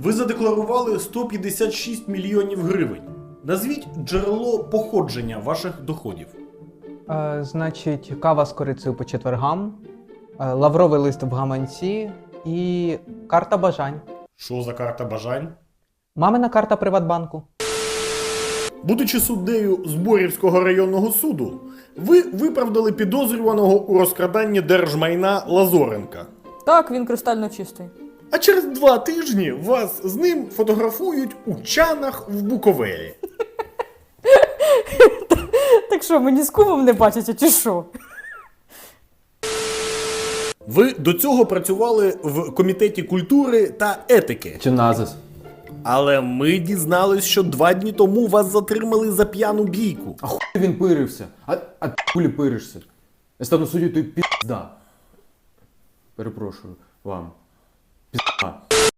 Ви задекларували 156 мільйонів гривень. Назвіть джерело походження ваших доходів. Значить, кава з корицею по четвергам, лавровий лист в гаманці і карта бажань. Що за карта бажань? Мамина карта Приватбанку. Будучи суддею Зборівського районного суду, ви виправдали підозрюваного у розкраданні держмайна Лазоренка. Так, він кристально чистий. А через 2 тижні вас з ним фотографують у Чанах в Буковелі. Так що, мені з кумом не бачите, чи що? Ви до цього працювали в Комітеті культури та етики. Чи назис? Але ми дізнались, що 2 дні тому вас затримали за п'яну бійку. А хуй він пирився? А ти хулі пиришся? Я стану суддю, то й пізда. Перепрошую вам. Пізда.